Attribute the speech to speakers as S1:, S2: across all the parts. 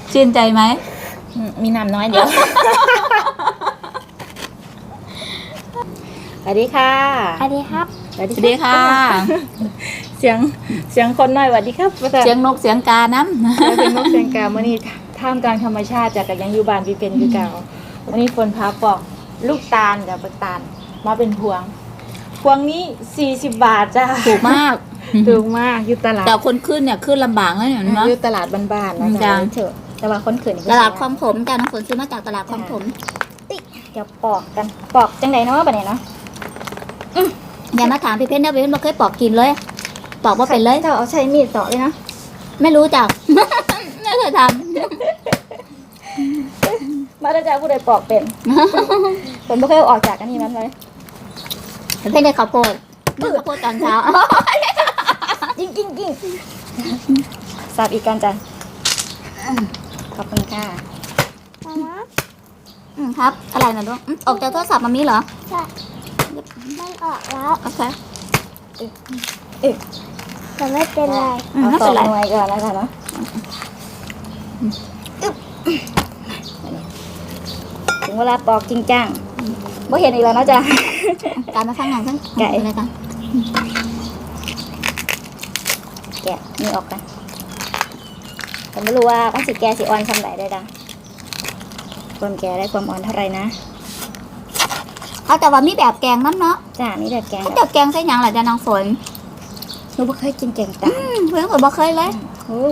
S1: ชื่นใจไหม
S2: มีน้ำน้อยเดียว สวัสดีค่ะ
S3: สวัสดีครับ
S1: สวัสดีค่ะ
S2: เสียงคนน้อยสวัสดีครับ
S1: เสียงนกเสียงกาน้ำ
S2: เป็นนกเสียงกามื่อนี้ท่ามกลางธรรมชาติจากกับยังอยู่บ้านพี่เป็นคือเก่าวันนี้ฝนพาปอกลูกตาลกับปักตาลมาเป็นพวง พวงนี้40 บาทจ้า
S1: ถูกมาก
S2: ถูกมากอยู่ตลาด
S1: แต่คนขึ้นเนี่ยขึ้นลำบากนะเนี่ยเนาะ
S2: อยู่ตลาดบ้านๆนะ
S1: จ้ะ
S2: จ๊ะเถอะแต่ว่าคนเขิน
S1: ตลาดคลองถมจ้าน้องฝนซื้อมาจากตลาดคลองถม
S2: เดี๋ยวปอกกันปอกจังไดเนาะบัดนี้เนาะ
S1: อย่ามาถามพี่เพชรนะพี่เพชรไม่เคยปอกกินเลยปอกว่าเป็นเลย
S2: เจ้าเอาใช้มีดเจาะเลยนะ
S1: ไม่รู้จัก ไม่เคยท
S2: มาได้จ้าผู้ใดปอกเป็นผมไม่เคยเอาออกจากอันนี้มันเลย
S1: ำพี่เพชรได้ข้าวโพดข้าวโพดตอนเช้า
S2: กิ้งสับอีกกันจ้ะขอบคุณค่ะ
S1: ครับอะไรนะลูกออกจากโทรศัพท์มามีเหรอ
S3: ใช่มันออกแล้ว
S1: โอเค
S3: แต่ไม่เป็นไร
S2: เอา
S1: ไม่
S2: ต่
S1: เป็
S2: อน
S1: ไร
S2: หน่วยก่อนแล้วกันเนาะถึงเวลาปอกจริงจังบ่เห็นอีกแล้วเนาะจ้ะ
S1: การมาฟังงานทั้ง
S2: ไก่
S1: อะไรกัน
S2: แกะนี่ออกกันผมไม่รู้ว่ามันสิแกะสิอ่อนทำไหนได้ดังความแกะได้ความอ่อนเท่าไหร่นะ
S1: เขาแต่ว่ามีแบบแกงน้ำเนาะ
S2: จ้านี่แบบแกง
S1: เขาจะแกงใส่หยังหล่ะจ้าน้องฝน
S2: หนูไม่เคยกินแกงตาล
S1: เพื่อนผมบอกเคยเลย
S2: โอ้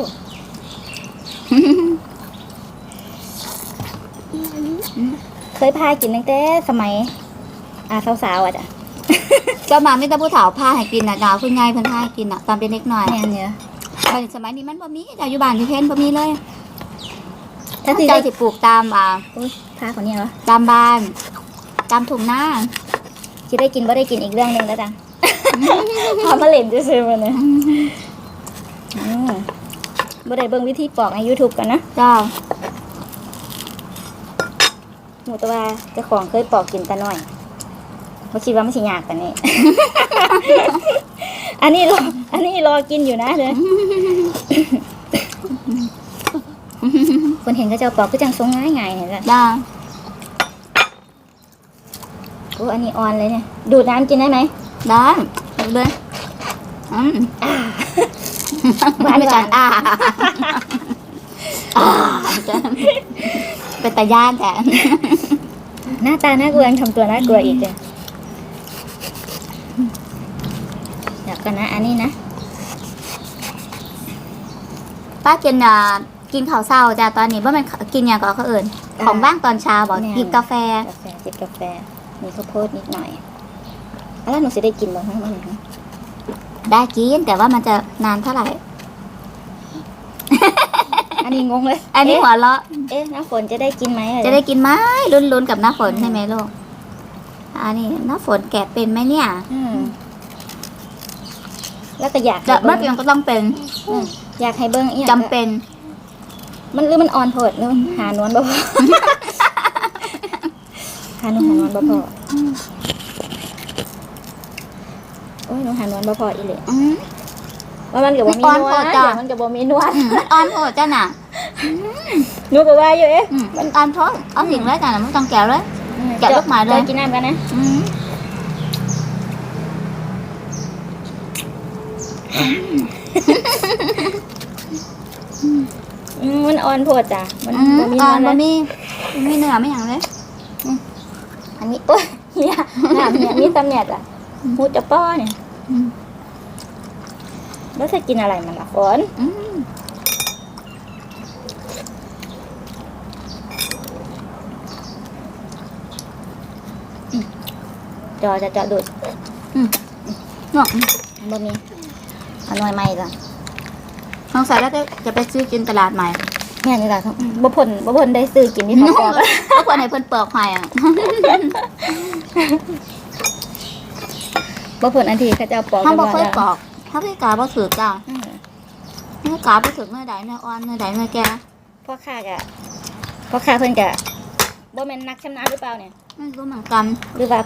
S2: เคยพากินตั้งแต่สมัยสาวๆอ่ะจ้ะ
S1: ก็มาไม่ต้องผู้เฒ่าผ้าให้กินนะจ้าคุณยายเพิ่นผ้าให้กินอ่ะตอนเป็นเด็กหน่อย
S2: แม่นเนี่ย
S1: ตอนสมัยนี้มันบ่มีจ้าอยู่บ้านที่เพ้นบ่มีเลย
S2: ถ้า
S1: ถ้า
S2: ที่
S1: ใจ
S2: ได้
S1: สิปลูกตาม
S2: อุ๊ยพาคนนี้เหรอ
S1: ตามบ้าน ตามถุงหน้า
S2: คิดได้กินบ่ได้กินอีกเรื่องหนึ่งแล้วจ้ะ พามาเล่นจะซื้อมาเนี่ยบ่ได้เบิ่งวิธีปอกใน YouTube กันนะ
S1: จ้า
S2: หมูแตัวาเจ้าของเคยปอกกินแต่น้อยเขาคิดว่ามันสิยากแต่นี้ อันนี้รอกินอยู่นะเด้อ คนเห็นก็จะปอกก็จังทรงง่ายๆเนี่ยจ้ะ
S1: จ้า
S2: โอ้อันนี้อ่อนเลยเนี่ยดูดน้ำกินได้ไหม
S1: ได้ดูเลย
S2: หวาน
S1: ไม่
S2: ห
S1: จั
S2: วาน
S1: นเป็นตาย่านแต่
S2: หน้าตาน่ากลัวยังทำตัวน่ากลัวอีกเลยเดี๋ยวกันนะ อันนี้นะ
S1: ป้ากินข้าวเช้าจ้าตอนนี้ว่ามันกินอย่างก็เขาเอิ่นของบ้างตอนเช้าบอกกินกาแฟ
S2: จิบกาแฟมีข้าวโพดนิดหน่อยแล้วหนูจะได้กินบ้างไหมมัน
S1: ได้กินแต่ว่ามันจะนานเท่าไหร่
S2: อันนี้งงเลย
S1: อันนี้หัวเราะ
S2: น้ำฝนจะได้กินไหม
S1: จะได้กินไหมลุ้นๆกับน้าฝนใช่ไหมลูกอันนี้น้าฝนแกะเป็นไหมเนี่ย
S2: แล้วก็อยาก
S1: แต่เมื่อกี้ก็ต้องเป็น
S2: อยากให้เบิ้ง
S1: จำเป็น
S2: มันหรือมันอ่อนโพดหรือหานวลบ่พอหานวลบ่พอโอ้ยหนูหานวลบ่พออีเลยว่ามันกับบ่มีนวลมันกับบ่มีนวล
S1: อ่อนโหดจ้าน่ะ
S2: หนูก็ว่าอยู่
S1: มันอ่อนโทษเอาสิ่งแรกจ้ะมันต้องแกะเลย แกะลูกหมาเลย
S2: กินน้ำกันนะมันอ่อนโพดจ้ะมันบ่มีน
S1: อ่อ
S2: วน ล
S1: บะ
S2: เลย
S1: มีเนื้อไม่อย่างเลย
S2: อันนี้โอ้ยเฮียน้ำเนี่ยมีตำเนี่ยจ้ะหูจะป้อเนี่ยแล้วจะกินอะไรมันล่ะฝนจอจะดูด
S1: เนาะ
S2: บ่มีอันน้อยใหม่จ้ะ
S1: สงสัยแล้วจะไปซื้อกินตลาดใหม่
S2: แม่นี่ล่ะบ่พ้นได้ซื้อกินที่เขาบอก
S1: ก็ควรให้เพิ่นเปลือกหอยอ่ะ
S2: บ่พ้นอันที่เขาจะเอาปอก
S1: ห้องบ่
S2: กัน
S1: เคย
S2: แล้ว
S1: ปอกถ้าพี่กาบ่ถือจ้าเนื้อกาบ่ถือเนื้อใดเนื้ออ่อนเนื้อใดเนื้อแก่
S2: พ่อค้าเพิ่นกะบ่แม่นนักชำนาญหรือเปล่าเนี่ย
S1: ไม่รู้เหมือนกัน
S2: หรือว่า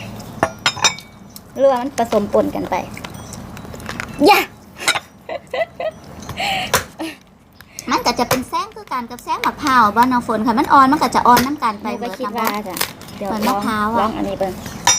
S2: มันผสมปนกันไปย่า
S1: มันก็จะเป็นแซงคือกันกันกับแซงมะพร้าวบ้านน้องฝนค่ะมันอ่อนมันก็จะอ่อนน้ำกันไป
S2: ไป
S1: เบิด
S2: คิด
S1: นะ
S2: ว่า
S1: บ่
S2: จ้ะเดี๋ยว
S1: เหมือน
S2: ล
S1: มะ
S2: อง
S1: พร้าว
S2: ล
S1: อะ
S2: องอันนี้เบิ่ง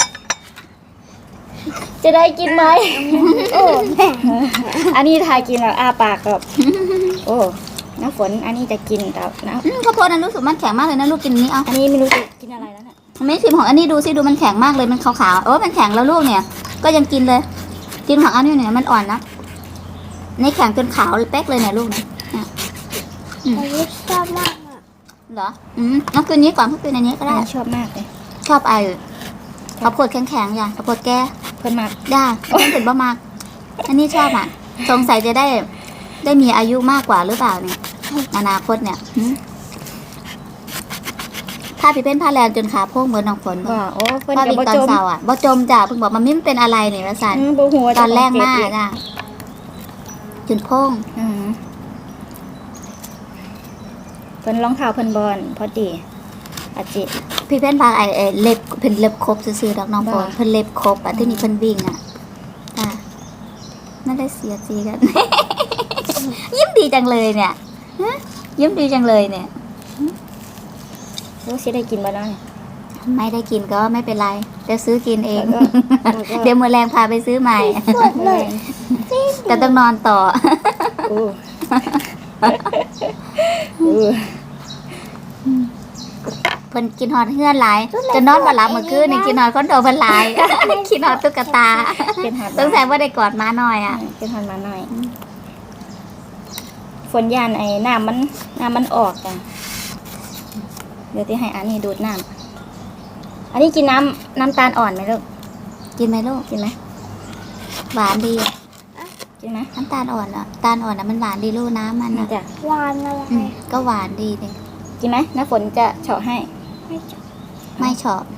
S2: จะได้กินไหม
S3: โอ้แม่
S2: อันนี้ทายกินแล้วอ้าปากกับ โอ้น้ำฝนอันนี้จะกินกับน้
S1: ข้าวโพดนั้นรู้สึกมันแข็งมากเลยนะลูกกินนี้เอา
S2: ำอันนี้ไม่รู้จะกินอะไรแล้วเนี่ย
S1: ไม่ชิมของอันนี้ดูสิดูมันแข็งมากเลยมันขาวๆโอ้มันแข็งแล้วลูกเนี่ย ก็ยังกินเลย กินของอันนี้เนี่ยมันอ่อนนะนี่แข็งจนขาวเป๊กเลยเนี่ยลูกเนี่ย
S3: อันนี้ชอบมากอ่ะ
S1: เหรอเอาคืนนี้ก่อนเพื่อคืนอันนี้ก็ได้
S2: ชอบมากเลย
S1: ชอบไอ้ข้าวโพดแข็งๆอย่างข้าวโพดแก่
S2: เพิ่นมาก
S1: ได้เพื่อนถึงบ่มาก อันนี้ชอบอ่ะ สงสัยจะได้มีอายุมากกว่าหรือเปล่าเนี่ยอนาคตเนี่ยถ้าพี่เป็นผ้าแรงจนขาโพ่งเหมือนน้องฝน
S2: ว่าโอ้เพิ่น
S1: ผ้า
S2: กับ
S1: วิ่ง
S2: บ่
S1: ตอ
S2: จ
S1: น
S2: ม
S1: เสาร์อ่ะบ่จมจ้ะเพิ่งบอกมันไม่เป็นอะไรเนี่ยว่าสัน
S2: บ่ฮู้ว่า
S1: ตอนแรก
S2: จะ
S1: มาก
S2: เจ็บอี
S1: จ้ะจนโพ่ง
S2: เพิ่นรองเท้าเพิ่นบอลพอดีอาจิ
S1: พี่เพ่นพาไอ้เล็บเพิ่นเล็บครบซื่อๆดอกน้องฝน
S2: บ้า
S1: เพิ่นเล็บครบอ่ะที่นี่เพิ่นวิ่งอ่ะจ้ะไม่ได้เสียจีกัน ยิ้มดีจังเลยเนี่ยฮะยิ้มดีจังเลยเนี่ย
S2: รู้สิได้กินบ่เนาะเนี่ย
S1: ไม่ได้กินก็ไม่เป็นไรเดี๋ยวซื้อกินเอง
S2: แล้วก็
S1: เดี๋ยวมื้อแรงพาไปซื้อใหม่
S3: สดเลย
S1: แต่ต้องนอนต่อ
S2: โอ้โอ้
S1: เพิ่นกินฮอดเฮือนหลายจนนอนบ่หลับเมื่อคืนนี่กินฮอดคอนโดเพิ่นหลาย กินฮอดตุ๊กตา
S2: เป็นหัด
S1: สงสัยว่าได้กอดม้าน้อยอ่ะ
S2: เป็นหัดมาหน่อย ฝนยานไอ้น้ำมันออกจ้ะเดี๋ยวที่ให้อันนี้ดูดน้ำอันนี้กินน้ำตาลอ่อนไหมลูก
S1: กินไหมลูก
S2: กินไหม
S1: หวานดีอะ
S2: กินไหม
S1: น้ำตาลอ่อนอ่ะตาลอ่อนอ่ะมันหวานดีลูกน้ำมัน
S2: นี่
S1: อ่ะ
S2: จ้ะ
S3: หวานอะไร
S1: ก็หวานดีเลย
S2: กินไหมน้าฝนจะเฉาะให้
S3: ไม่ชอบ
S1: ไม่ชอบ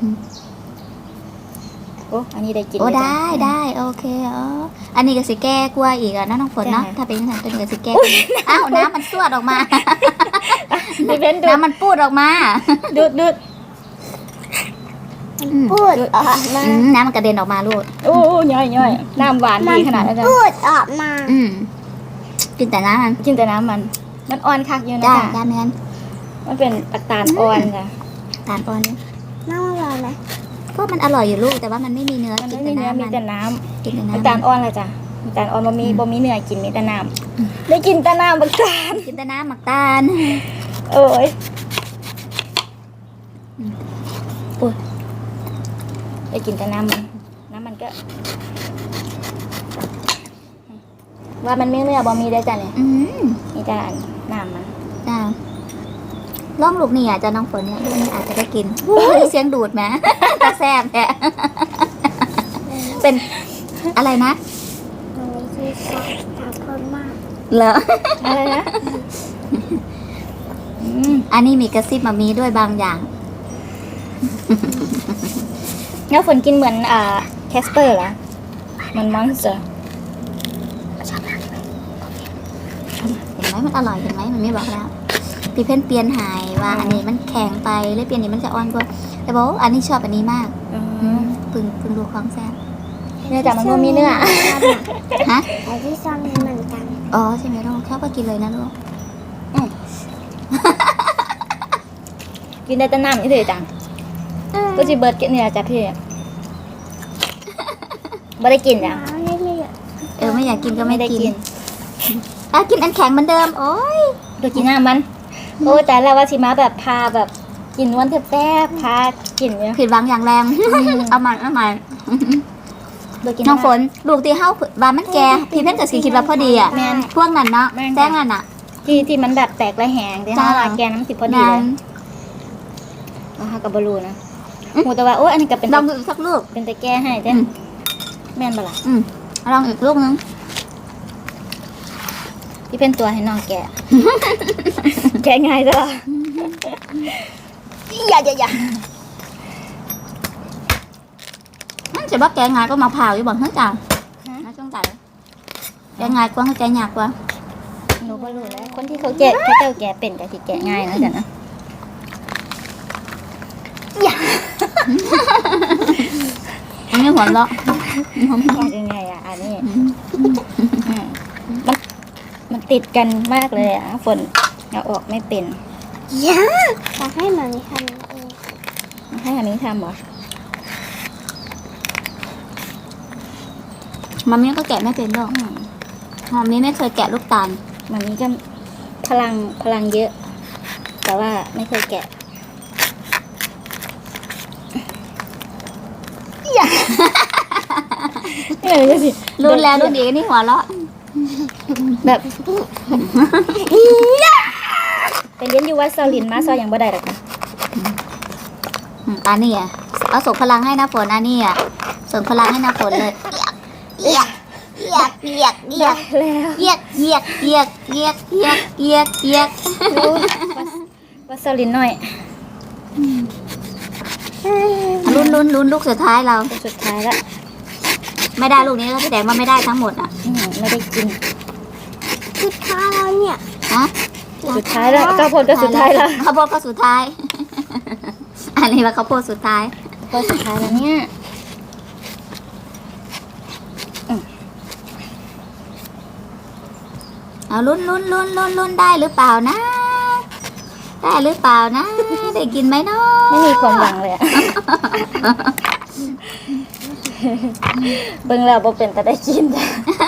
S2: โอ้อันนี้ได้กิน
S1: โอ้
S2: เลยจ้ะ
S1: ได้โอเคอันนี้ก็สิแก้กลัวอีกอ่ะนะน้องฝนเนาะ
S2: จ้ะ
S1: ถ้าเป็นอย่างนั้นตัวนี้ก็สิแก้อ้าวน้ำมันสวดออกมา
S2: พี่เบ้นดูด
S1: น้ำมันปูดออกมา
S2: ดูด
S3: พูดออกมา
S1: น้ำมันกระเด็นออกมาลูก
S2: โอ้ย่อยน้ำหวานดีขนาดนั้นจ้ะ
S3: พูดออกมา
S1: กินแต่น้ำมัน
S2: กินแต่น้ำมันอ่อนคักอยู่นะ
S1: จ้า
S2: จ้ะ
S1: จ้าแม่น
S2: มันเป็นอัตราอ่อนจ้ะ
S1: ตาลอ่อนนี่
S3: น้ำอร่อยไหม
S1: ก็มันอร่อยอยู่ลูกแต่ว่ามันไม่มีเนื้อ
S2: มัน
S1: กิน
S2: ไม่
S1: แต่
S2: มีเนื้อ
S1: น้ำ
S2: มี
S1: มัน
S2: แต่น้
S1: กินแต่
S2: ำ
S1: น้ำ
S2: อัตราอ่อนเลยจ้ะอัตราอ่อนบ่มีเนื้อกินมีแต่น้ำได้กินแต่น้ำบักตาล
S1: กินแต่น้ำหมักตาล
S2: เอ้ย
S1: โอ้ย
S2: ได้กินแต่น้ำมันก็ ว่ามันไม่เนื้อบ่มีได้จ้ะเนี่ย มีแต่น้ำมัน
S1: จ้าล่องลูกนี่อาจจะน้องฝนเนี่ยลูกนี่อาจจะได้กินเสียงดูดไหม ตาแซบแท้ เป็นอะไรนะ
S3: อันนี้ที่ชอบทำคนมาก
S1: เหรอ
S2: อะไรนะ
S1: อันนี้มีกระซิบมามีด้วยบางอย่าง
S2: แล้วฝนกินเหมือนแคสเปอร์เหรอเหมันมอนสเตอร์
S1: เห็นไหมมันอร่อยเห็นไหมมันไม่บอกแล้วพี่เพ่นเปลี่ยนหายว่าอันนี้มันแข็งไปเลยเปลี่ยนนี้มันจะอ่อนกว่าแต่บอกว่าอันนี้ชอบอันนี้มากพึ่งดูของแซ่บ
S2: เนื้อจากมันก็มีเนื้อ
S1: ฮะ
S3: แต่ที่ชอบเหมือนกัน
S1: อ๋อใช่ไหมลูกชอบก็กินเลยนะลูก
S2: กินได้แต่น้ำนี่เลยจังก็จะเบิร์ดกินเนื้อจากพี่ไม่ได้กินจ้ะ
S3: ไม่มี
S1: ไม่อยากกินก็ไม่
S2: ไม่ได้
S1: กิ
S2: กิ
S1: น
S2: น
S1: กินอันแข็งเหมือนเดิมโอ้ย
S2: ดูกินน้ำมัน โอ้แต่แล้วว่าสิมาแบบพาแบบกินนวลแทบๆพากินเนี่ย
S1: ผิดหวังอย่างแรง เอาใหม่
S2: ดูกิน
S1: น้องฝนลูกที่เฮาว่ามันแก่พี่เพ่นกับสีคิดว่าพอดีอ่ะ
S2: แม่น
S1: พวกนั้นเนาะ
S2: แม่น
S1: แจ้งนั่นอ่ะ
S2: ที่มันแบบแตกระแหงที่
S1: จ้า
S2: ห้าแกน้ำสิพอดีเลยนะคะกับบรูนะหูแต่ว่าโอ้อันนี้ก็เป็น
S1: ลองดูอีกสักลูก
S2: เป็นตะแก้ให้เจ้แม่นบ่ล่ะ
S1: ลองอีกลูกนึง
S2: ที่เป็นตัวให้น้องแกะ แกะง่ายจ้ะอย่า
S1: จะบอกแกงายก็มาผ่าอยู่บ่เฮ้ยจ้าน่าสงสัยแกงายกว่าให้แกยากกว่า
S2: หนูก็รู้แล้วคนที่เขาแกะเขาเจ้าแกะเป็นกับที่แกะง่ายนะจ๊ะนะ
S1: อันนี้หัวเราะ
S2: ยากยังไงอ่ะอันนี้มันติดกันมากเลยอ่ะฝน
S1: เอาออกไม่เป็น
S3: ยาอยากให้หมามีทำเอง
S1: ให้อันนี้ทำเหรอมันนี้ก็แกะไม่เป็นหรอกมันนี้ไม่เคยแกะลูกตาลมันนี้ก็พลังเยอะ แต่ว่าไม่เคยแกะ
S2: นี่สิ
S1: รุ่นแล้วรุ่นอีกนี่หัวเราะแบบเป็นเลี้ยนอยู่วัดซอลินมาซอยอย่างบ่ได้หรอกค่ะอันนี้อ่ะเอาส่งพลังให้นะฝนอันนี้อ่ะส่งพลังให้นะฝนเลยเอียกเอียกเอียกเอียก
S2: แล้ว
S1: เอียกเอียกเอียกเอียกเอียกเอียกเอียกวัดซอลินหน่อยลุ้นลูกสุดท้ายเราสุดท้ายแล้วไม่ได้ลูกนี้ก็แสดงว่าไม่ได้ทั้งหมดอ่ะไม่ได้กิน
S3: สุดท้ายแล้วเนี่ย
S1: ฮะ
S2: สุดท้ายแล้วข้าวโพดก็สุดท้ายแล้ว
S1: ข้าวโพดก็สุดท้าย อันนี้ว่าข้าวโพดสุดท้ายก็สุดท้ายแล้วเนี่ยเอาลุ้นได้หรือเปล่านะ ได้หรือเปล่านะ ได้กินไหมเนาะไม่มีความหวังเลยอะเบิ่งแล้วบ่เป็นแต่ได้กินจ้ะ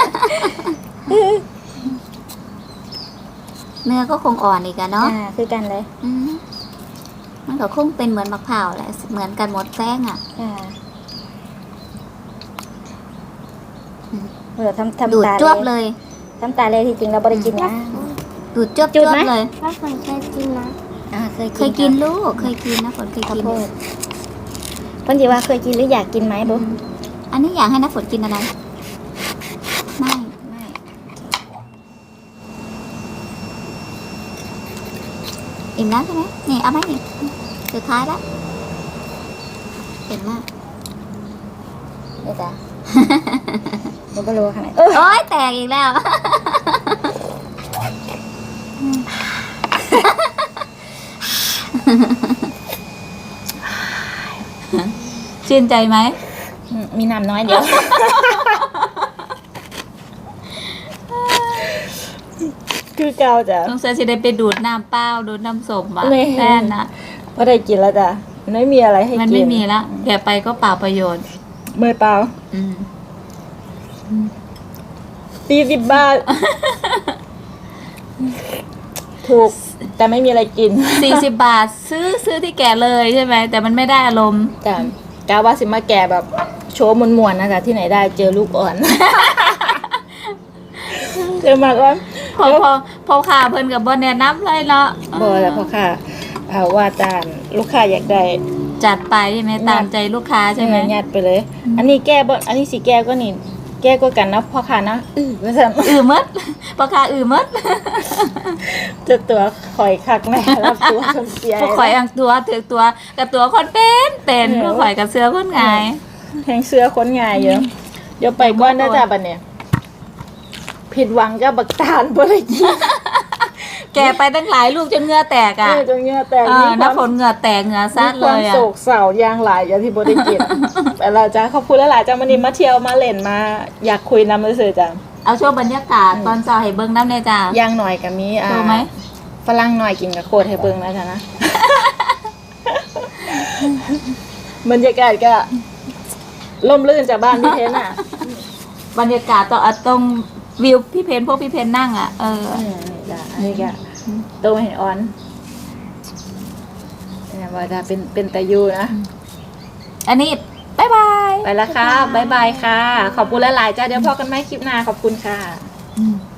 S1: เนื้อก็คงอ่อนอีกอะเนาะคือกันเลยมันก็คงเป็นเหมือนมะพร้าวแหละเหมือนกันหมดแป้งอะดูดจ้วบเลยทำตาเลยที่จริงเราไม่ได้กินนะดูดจ้วบเลย
S3: ว่าฝนเคยกินนะ
S1: เคยกินลูกเคยกินนะฝนเคยกิน
S2: เพิ่นสิว่าเคยกินหรืออยากกินไหมบุ๊
S1: อันนี้อยากให้น้าฝนกินอะไรไม่อิ่มแล้วใช่ไหมนี่เอาไหมนี่สุดท้ายแล้วเก่งมากเดี๋ยวจ้ะหนูก็รู้ขนาดโอ๊ยแตกอีกแล้วชื่นใจไหม
S2: มีน้ำน้อยเดียวคือเก่าจ้ะ
S1: ต้องเสียจะได้ไปดูดน้ำเปล่าดูดน้ำส้มอ่ะแน่นะ
S2: พอได้กินแล้วจ้ะมันไม่มีอะไรให้กิน
S1: มันไม่มีแล้วแกไปก็เปล่าประโยชน์
S2: เมื่อเปล่า40 บาท ถูกแต่ไม่มีอะไรกิน
S1: 40 บาทซื้อที่แกเลยใช่ไหมแต่มันไม่ได้อารมณ์
S2: จ้ะกาว่าสิมาแกแบบโชว์มวนๆนะจ๊ะที่ไหนได้เจอลูกอ่อน เจอมาก่อน
S1: พอขาเพิ่นกับบอลแนะนำเลยเนาะ
S2: บ่แล้วพอค่ะว่าจานลูกค้าอยากได้
S1: จัดไปใช่ไหมตามใจลูกค้าใช่ไหม
S2: ยัดไปเลยอันนี้แก้บ่อันนี้สีแก้ก็นี่แก้ก็กันนะพ่อค้านะว่าซั่น
S1: มดพ่อค้ามด
S2: จะตัวข่อยคักแม่รับตัวคนเสีย
S1: พวกข่อยอังตัวถือตัวกับตัวคนเป็นพวกข่อยกับเสื้อคนง่าย
S2: แทงเสื้อคนง่ายเยอะเดี๋ยวไปก่อนนะจ๊ะบัดเนี่ยผิดหวังกับบักตาลบ่ได้กิน
S1: แกไปตั้งหลายลูกจนเหงื่อแตกอ่ะ
S2: จนเหงื่อแตก
S1: น้ำฝนเหงื่อแตกเหงื่อซัดเลยอ่ะ
S2: โศกเศร้ายางหลายอย่างที่บ่ได้กินแต่เราจะขอบคุณหลายๆจ้าวันนี้มาเที่ยวมาเล่นมาอยากคุยนำซื่อจ้ะ
S1: เอาช่วงบรรยากาศตอนเช้าให้เบิ่งน้ำในจ้า
S2: ย่างหน่อยกับมี
S1: รู้ไหม
S2: ฝรั่งหน่อยกินกับโคตรให้เบิ่งนะจ๊ะนะบรรยากาศก็ร่มรื่นจากบ้านพี่เพนอ่ะ
S1: บรรยากาศตรงวิวพี่เพนพวกพี่เพนนั่งอ่ะ
S2: นี่จ้ะอันนี้ก็โตเห็นออนเนี่ยว่าจะเป็นตะยูนะ
S1: อันนี้บ๊ายบาย
S2: ไปแล้วค่ะบ๊ายบายค่ะขอบคุณหลายๆจ้าเดี๋ยวพอกันไหมคลิปหน้าขอบคุณค่ะ